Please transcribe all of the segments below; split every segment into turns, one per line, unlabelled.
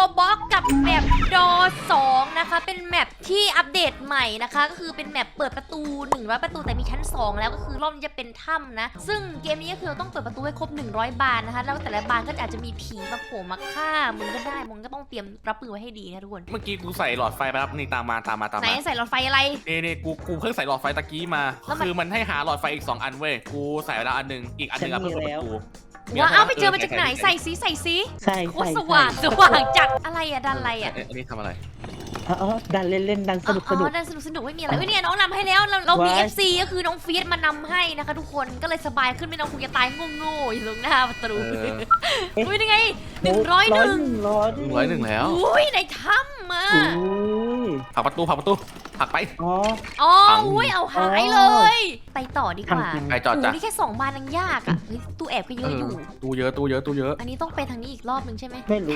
Roblox กับแมปดอ2นะคะเป็นแมปที่อัปเดตใหม่นะคะก็คือเป็นแมปเปิดประตู100ประตูแต่มีชั้น2แล้วก็คือรอบนี้จะเป็นถ้ำนะซึ่งเกมนี้ก็คือเราต้องเปิดประตูให้ครบ100บานนะคะแล้วแต่ละบานก็อาจจะมีผีมาโผล่มาฆ่ามึงก็ได้มึงก็ต้องเตรียมรับมือไว้ให้ดีนะทุกคน
เมื่อกี้กูใส่หลอดไฟไปแล้วนี่ตามมา
ไหนใส่หลอดไฟอะไร
นี่กูเพิ่งใส่หลอดไฟตะกี้มาคือมันให้หาหลอดไฟอีก2อันเว้ยกูใส่ไปแล้วอันนึงอีกอันนึงเพื่อเปิดประตู
ว่าเอาไปเจอมาจากไหนใส่สี
ใช่
โคตรสว่างจัดอะไรอะดันอะไรอะ
อันนี้ทำอะไร
ดันเล่นดันสนุก
ดันสนุกไม่มีอะไรเนี่ยน้องนำให้แล้วเรามี FC ก็คือน้องฟีดมานำให้นะคะทุกคนก็เลยสบายขึ้นไม่ต้องคุยจะตายโง่ๆอยู่ตรงหน้าประตูอุ้ยยังไง101
แล้ว
อุ้ยในถ้ำมา
ผลักประตูผลักไป
อ๋ออุ้ยเอาหายเลยไปต่อดีกว่า
ไปจอดจ้ะ
นี่แค่2บานยังยากอ่ะเฮ้ยตู้แอบก็เยอะอยู่
ตู้เยอะ
อันนี้ต้องไปทางนี้อีกรอบนึงใช่ไหม
ไม่รู้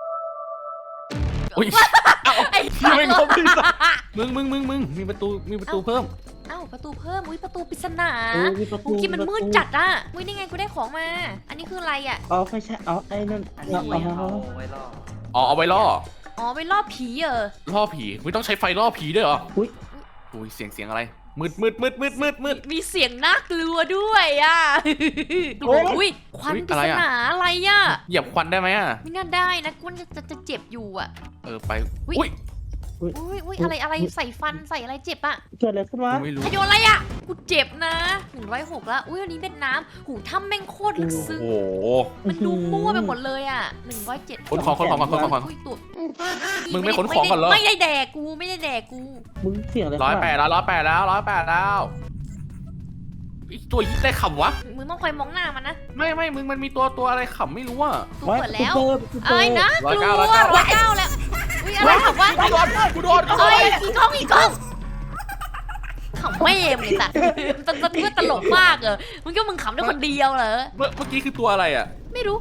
อุ้ย
ไอ้
ไม่ครบมึงมีประตูเพิ่ม
ประตูเพิ่มอุ้ยประตูปริศนากูคิดมันมืดจัดอ่ะอุ้ยนี่ไงกูได้ของมาอันนี้คืออะไรอ่ะ
ไม่ใช่ไอ้นั่น
เอาไว้ล่อ
ไปล่อผี
ล่อผีไม่ต้องใช้ไฟล่อผีด้วยเหรออุ้ยเสียงอะไรมืด
มีเสียงน่ากลัวด้วยอ่ะอุ้ยควันปริศนาอะไรอ่ะ
เหยียบควันได้ไหมอ่ะ
ไม่น่าได้นะกูจะเจ็บอยู่อ่ะ
ไปอุ้ย
อะไรใส่ฟันใส่อะไรเจ็บอ่ะ
เกิดอะไรขึ้นวะ
โยนอะไรอ่ะกูเจ็บนะ106แล้วอุ้ยอันนี้เป็นน้ำหูถ้ำแม่งโคตรลึกซึ้งมันดูมั่วไปหมดเลยอ่ะ107
คนของมึงไม่ขนของกันเหรอ
ไม่ได้แดกกู
มึงเสียงอะไร
108แล้วตัวยิ่งได้ขำวะ
มึงต้องคอยมองหน้ามันนะ
ไม่มึงมันมีตัวอะไรขำไม่รู้อ่ะ
กูเปิดแล้วไอ้นะ109แล้วอุ้ยอะไรขำวะ
กูโดน
อีกกล้องขำไม่เอ็มเลยแต่มันตลกมากมึงก็มึงขำได้คนเดียวเหรอ
เมื่อกี้คือตัวอะไรอ่ะ
ไม่รู้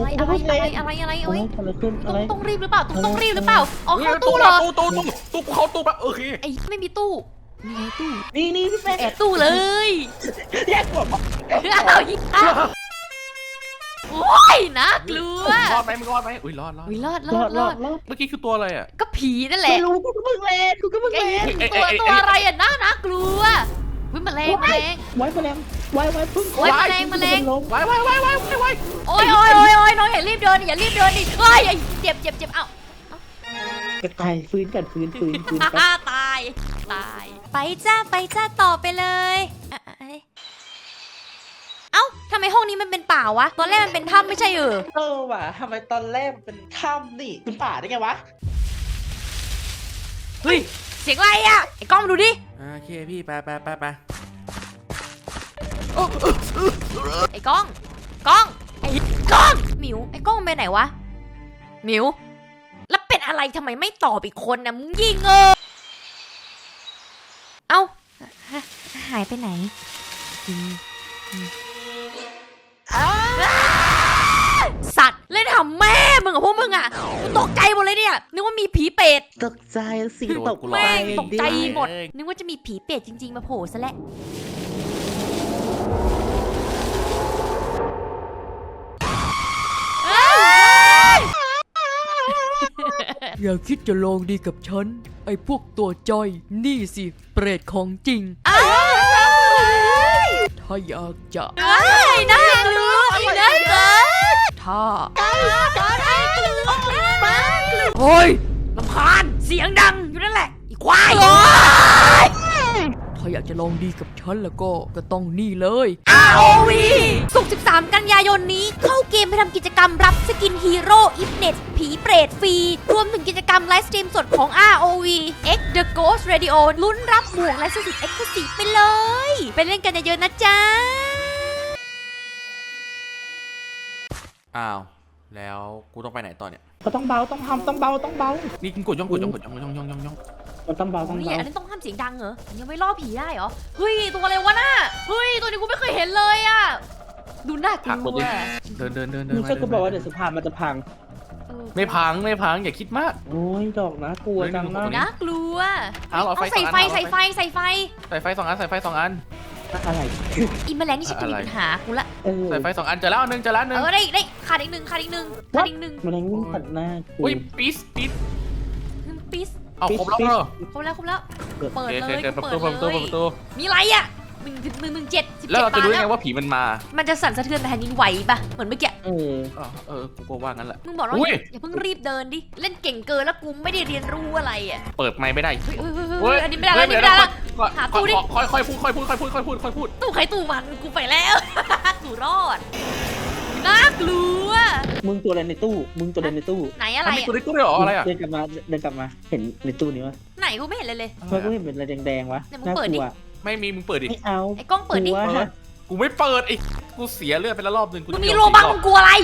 อะไรต้องรีบหรือเปล่าต้องรีบหรือเปล่าเข้าตู้เหรอ
ตู้เข้าตู้แบบโอเค
ไอ้ไม่มีตู้มีไงตู้
นี่พี่แม่
แอบตู้เลย
แยกตัว
โอ้ยน่ากลัว
รอดไหมอุ้ยรอดเมื่อกี้คือตัวอะไรอ่ะ
ก็ผีนั่นแหละ
ไม่รู้กูก็เพิ่งเล่น
ตัวอะไรอ่ะน่ากลัววิ่งแมลง
ไว้แมลงไว้พึ่ง
ไว้โอ้ยน้องอย่ารีบเดินดิเฮ้ยเจ็บเอ้า
ตายฟื้น
ตายไปจ้าต่อไปเลยเอ้าทำไมห้องนี้มันเป็นป่าวะตอนแรกมันเป็นถ้ำไม่ใช่
ว่ะทำไมตอนแรกมันเป็นถ้ำนี่เป็นป่าได้ไงวะ
เฮ้ยเสียงอะไรอ่ะไอ้กล้องดูดิ
โอเคพี่ไป
ไอ้กล้องหมิวไอ้กล้องไปไหนวะหมิวแล้วเป็นอะไรทำไมไม่ตอบอีกคนนะมึงยิงเอ้าหายไปไหนสัตว์เล่นหำแม่มึงกับพวกมึงอ่ะกูตกใจหมดเลยเนี่ยนึกว่ามีผีเป็ด
ตกใจสิตก
แม่งตกใจหมดนึกว่าจะมีผีเป็ดจริงๆมาโผล่ซะแล้ว
อย่าคิดจะลองดีกับฉันไอ้พวกตัวจ้อยนี่สิเปรตของจริงถ้าอยากจะ
น่ากลัว
ถ้า
โอ้ยรำคาญเสียงดังอยู่นั่นแหละอีควาย
ถ้าอยากจะลองดีกับฉันแล้วก็ต้องนี่เลย
ROV ศุกร์13 กันยายนนี้เข้าเกมไปทำกิจกรรมรับสกินฮีโร่อิฟเน็ตผีเปรตฟรีรวมถึงกิจกรรมไลฟ์สตรีมสดของ ROV X The Ghost Radio ลุ้นรับหมวกและสุด Exclusive ไปเลยไปเล่นกันเยอะๆนะจ๊ะ
อ้าวแล้วกูต้องไปไหนต่อเนี่ย
ก็ต้องเบาต้องเบา
นี่กดย่อง
มันต้องเบา
นี่อันนี้ต้องห้ามเสียงดังเหรอยังไม่ล่อผีได้เหรอเฮ้ยตัวอะไรวะน่ะเฮ้ยตัวนี้กูไม่เคยเห็นเลยอ่ะดูน่ากลัว
เดิน
มึงจะกูบอกว่าเดี๋ยวสะพานมันจะพัง
ไม่พังอย่าคิดมาก
โอ้ยดอกนะกลัวจังนะ
น่ากลัว
ต้อง
ใส่ไฟ2 อัน
ใส่ไฟ2 อัน
อะไร
อีแมลงนี่ฉันจะมีปัญหากูละ
สายไฟ2 อันเจอแล้วอันหนึงเจอแล้วอันหนึง
ได้ขาดอีกหนึ่งขาดอีกหนึ่งขาดอีกหนึ่ง
มันวิ่งตัดหน้ากู
อุ้ยปี๊สปี๊ส
ปิส
เอาครบแล้วเหรอ
ครบแล้วครบแล้ว เปิด
โอ
เล
เค
ย
เปิดประ
เปิ
ตู
ด
เปิดประตู
เล
เปิด
ย
ประตู
มีอะไรอ่ะ117
แล้วเราจะรู้
บาท
ยังไง
แล้ว
ว่าผีมันมา
มันจะสั่นสะเทือนแผ่นดินไหวปะเหมือนเมื่อกี้
กูก็ว่างั้นแหละ
มึงบอกว่า
อุ้ย
อย่าเพิ่งรีบเดินดิ เล่นเก่งเกินแล้วกูไม่ได้เรียนรู้อะไรอ่ะ
เปิดไมค์ไม่ได้
เฮ้ยอันนี้ไม่ได้แล้วอันนี้ไม่ได้แล้ว หาตู้ดิ
ค่อยพูดค่อยพูดค่อยพูดค่อยพูดค่อยพูด
ตู้ใครตู้มันกูไปแล้ว กูรอดน่ากลัว
มึงตัวอะไรในตู้มึงตัวอะไรในตู้
ไหนอะไร
มันมี
อะ
ตัวนี้ตัวเดียวเหรออะไรอ่ะ
เดินกลับมาเห็นในตู้นี้วะ
ไหนกูไม่เห็นเลยเลย
เมื่อกูเห็นเป็นอะไรแดงๆวะ
เนี่ยมึง
น่า
เปิด
ก
ดิ
ลัว
ไม่มีมึงเปิดดิ
ไม่เอา
ไอ้กล้องเปิดดิ
กลัว
กูไม่เปิดไอ้กูเสียเลือดไปแล้วรอบนึงกู
มึง
จะ
มี
ยอ
โลบัง
4
มึงกลัวอะไร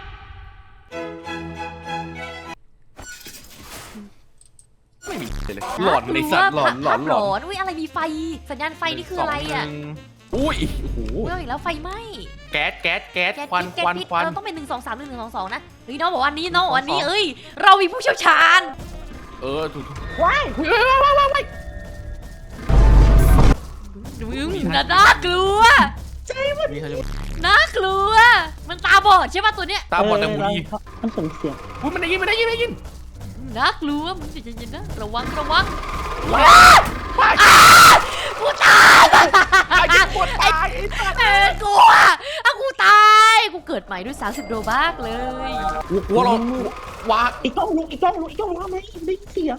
ไม่มีเลยหลอนในสัตว์หลอนหลอนหลอน
อุ้ยอะไรมีไฟ สัญญาณไฟนี่คืออะไรอ่ะ
อุ้ยโอ้โห
อุ้ยเอาอีกแล้วไฟไหม้
แก๊สแก๊สแก๊ส
แก๊ส
ควัน
พิษ
ควัน
แก๊สพิษ
ควัน
เราต้องเป็น1231122นะเฮ้ยน้องบอกว่านี้น้องบอกว่านี้เอ้ยเรามีผู้เชี่ยวชาญ
ถูก
ว้าย
มึงน่ากลัว
มีใครจะ
น่ากลัว มันตาบอดใช่ป่ะตัวเนี้ย
ตาบอดแต่หูดี
มันส่งเสียง
อุ้ยมันได้ยิน
น่ากลัวมึงใจเย็นๆนะระวังระวัง
ว้าวว้าว
กูตาย
ไอ้ที่ปวดตาย
กลัวอ่ะกูตายกูเกิดใหม่ด้วย30โลบักเลย
หัวเราว้า
อีกกล้องลุกทำไมได้เสียง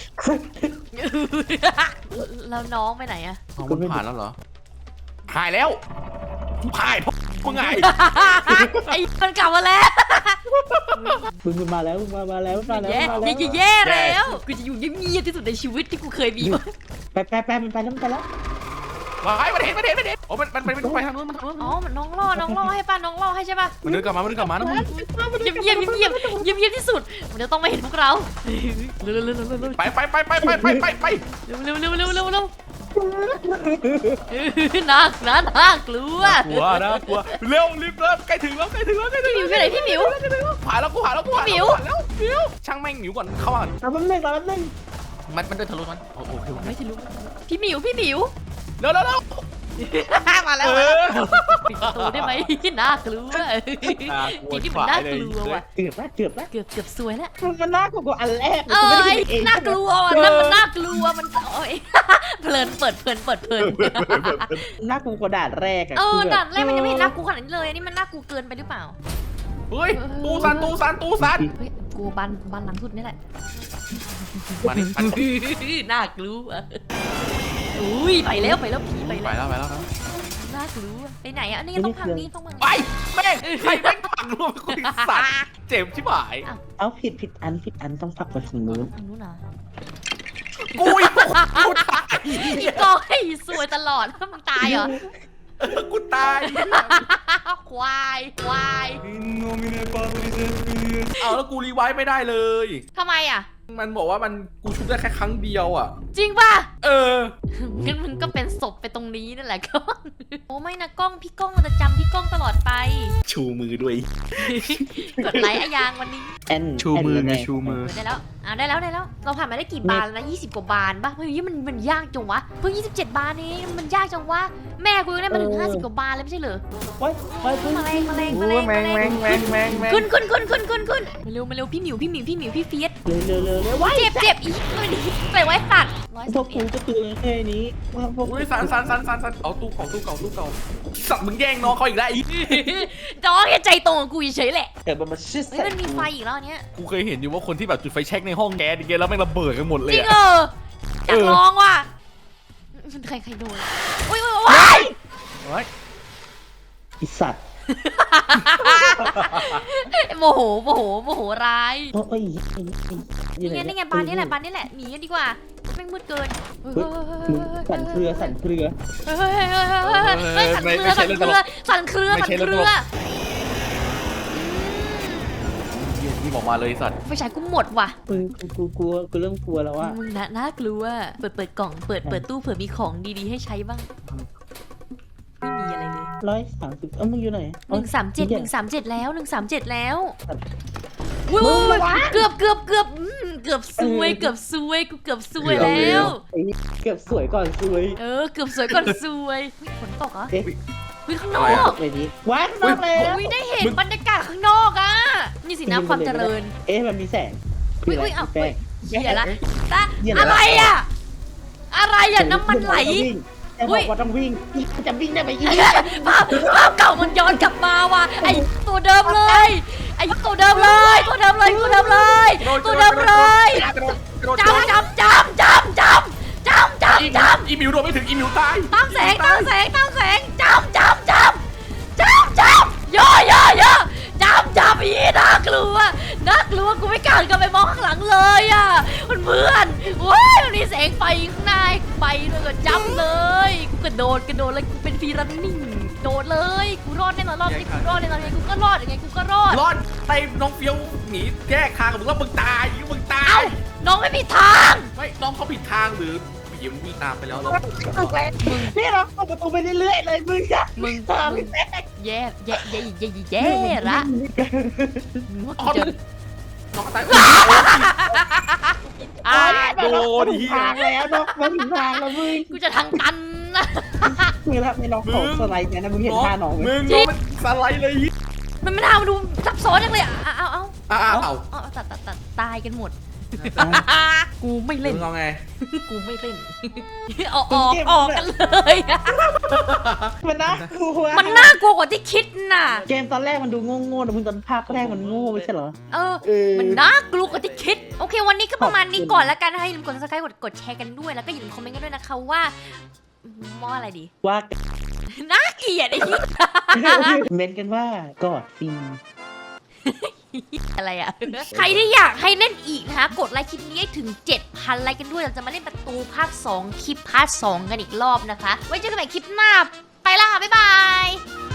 แล้วน้องไปไหนอะ
มันผ่านแล้วเหรอหายแล้วหายเพราะมึงไง
ไอ้มันกลับมาแล้ว
มึงมาแล้วมาแล้ว
แย่แล้วกูจะอยู่เงียบๆที่สุดในชีวิตที่กูเคยมีมา
ไปมันไปแล้ว
ว้ายมันเห็นโอ้มันไปทางนู้นมันทางนู้น
อ๋อมันน้องล่อให้ป่ะน้องล่อให้ใช่ป่ะ
มันเดินกลับมานะมึง
เงียบที่สุดมันจะต้องไม่เห็นพวกเราเร็ว
ไป
เร็วน่ากลัว
กลัวนะกลัวเร็วรีบเริ่มใกล้ถึงแล้ว
พี่หมิวอยู่ไหนพี่หมิว
ผ่านแล้วกูผ่านแล้ว
หมิว
ช่างแม่งหมิวก่อนเข้ามาก่อน
เอาแป๊บนึง
มันเดินทะลุมันโอเค
ไม่ทะลุพี่หมิว
เร็ว
มาแล้วปิดประตูได้ไหมน่ากลัวผีที่มันน่ากลัวว่ะ
เกือบแล้ว
เกือบซวยแล้ว
มันน่ากลัวอันแรก
เอ้ยน่ากลัวอ่ะนั่นมันน่ากลัวมันโอ้ยเพลินเปิด
น่ากลัวกว่าด่านแรกอะ
ด่านแรกมันยังไม่เห็นน่ากลัวขนาดนี้เลยอันนี้มันน่ากลัวเกินไปหรือเปล่า
เฮ้ยตู้ซัน
เฮ้ยกลัวบ้านหลังสุดนี่แหละ
มานี่
น่ากลัวอุ้ยไปแล้วผีไปแล้ว
ไปแล้ว
น่ากลัวไปไหนอ่ะนี่ต้องพังนี่ต้องพัง
ไปแม่งใครแม่งผักรวมคุยสัตว์เจ็บชิบหาย
เอาผิดอันต้องฝักไปถึงนู้น
อันนู้นเหรอ
กูตาย
อีกองให้สวยตลอดมึงตายเหรอ
กูตาย
ควาย
เอาแล้วกูรีไวซ์ไม่ได้เลย
ทำไมอ่ะ
มันบอกว่ากูชุบได้แค่ครั้งเดียวอ่ะ
จริงป่ะ
เออ
งั้นมึงก็เป็นศพไปตรงนี้นั่นแหละกล้องโอ้ไม่นะกล้องพี่กล้องเราจะจำพี่กล้องตลอดไป
ชูมือด้วย
กดไลค์อะยางวันนี้
ชูมือไงชูมือ
ได้แล้วได้แล้วเราผ่านมาได้กี่บานแล้วนะ20 กว่าบานป่ะเฮ้ยมันยากจังวะเพิ่ง27 บานเองมันยากจังวะแม่กูยังได้มาถึง50 กว่าบานเลยไม่ใช่เหรอ
ว้ย
แมลง
แมง
ขึ้นมาเร็วพี่หมิวพี่เฟียส
เร็วว้าย
เจ็บอีกไปไว้สัตว์
พวกกูจะตัวแค่นี้พวก
อุ้ยสันเอาตู้เก่าสัตว์มึงแย่งน้องเขาอีกแล้วอีก
น้องแค่ใจตรงกับกูเฉยแหละ
เกิดมันชิด
เฮ้ยมันมีไฟอีกแล้วเนี้ย
กูเคยเห็นอยู่ว่าคนที่แบบจุดไฟแช็กในห้องแก๊สอย่างเงี้ยแล้วแม่งระเบิดกันหมดเล
จ
ย
ริง
อะ
อยากลองว่ะใครโดนอุ้ยว้าย
อีสัตว์
โมโหร้าย
โอ้ย
นี่ไงบานนี้แหละหนีกันดีกว่าแม่งมืดเกิน
สั่นเครือ
สั่นเครือ
นี่บอกมาเลยสัตว์
ไฟฉายกูหมดว่ะ
กูเริ่มกลัวแล้วว่า
มึงน่ากลัวเปิดกล่องเปิดตู้เผื่อมีของดีๆให้ใช้บ้างไม่มีอะไรเลย
130มึงอยู่ไหน
137แล้วว้ยเกือบเกือบซวยกูเกือบซวยแล้ว
เกือบสวยก่อนสวย
เกือบสวยก่อนซวยฝนตกเหรอ
เอ๊ะ
วิข้างนอก
เลยนี้ว้ายนอกแล้ว
วิได้เห็นบรรยากาศข้างนอกอ่ะนี่สินะความเจริญ
เอ๊ะมันมีแสง
อุ้ยอ้าว
แป้ง
เหี้ยละตา
เหี้ยละ
อะไรอ่ะอะไรอ่ะน้ำมันไหล
แต่บอกว่าต้องวิ่งจะวิ่งได้ไหมอีก
ภาพเก่ามันย้อนกลับมาว่ะไอตัวเดิมเลยไอตัวเดิมเลยตัวเดิมเลยตัวเดิมเลยตัวเดิมเลยจำ
อีมิวโดนไม่ถึงอีมิวตาย
ตามแสงจำย่จำอีน่ากลัวกูไม่กล้ากันไปมองข้างหลังเลยอ่ะเพื่อนโว้ยมันมีแสงไฟข้างในไปเลยก็จำเลยกูกระโดดเลยกูเป็นฟรีรันนิ่งโดดเลยกูรอดแน่นอนรอบนี้กูรอดแน่นอนยังไงกูก็รอดยังไงกูก็รอด
รอดไปน้องเฟี้ยวหนีแยกทางกับมึงว่ามึงตาย
เอ้าน้องไม่มีทาง
ไม่น้องเขาผิดทางหรือผีมันวิ่งตามไปแล้วเรา
นี่เราเปิดประตูไปเรื่อยๆเลยมึงอะ
มึง
แป้ง
แย่ละมึงว่ากูจะ
น้องตาย
อ่า
โดน
ถึงทางแล้วเนาะมันถึงทางแล้วมึง
กูจะทางตันนะ
มึงแล้วไม่ลองของสไลด์เนี่ยนะมึงเห็นท่าน้องไหม
มึงน้องมันสไลด์เลย
มันไม่น่ามาดูซับซ้อนจังเลยเอา
เอา
ตายกันหมด กูไม่เล่น
มึงเอาไง
กูไม่เล่นออกกันเลย
มันน่ากลัว
มันน่ากลัวกว่าที่คิดน่ะ
เกมตอนแรกมันดูโง่ๆแต่มึงตอนภาคแรกมันโง่ไม่ใช่เหรอ
มันน่ากลัวกว่าที่คิด โอเค วันนี้ก็ประมาณนี้ก่อนแล้วกันนะคะอย่าลืมกด subscribe กดแชร์กันด้วย แล้วก็อย่าลืมคอมเมนต์กันด้วยนะคะว่าอะไรดี
ว่า
น่าเกลียดไอ้ที่
เม้นกันว่ากอดฟิน
อะไรอ่ะ ใครที่อยากให้เล่นอีกนะคะกดไลค์คลิปนี้ให้ถึง 7,000 ไลค์กันด้วยเราจะมาเล่นประตูภาค 2 คลิปพาร์ท 2 กันอีกรอบนะคะ ไว้เจอกันใหม่คลิปหน้า ไปละค่ะ บ๊ายบาย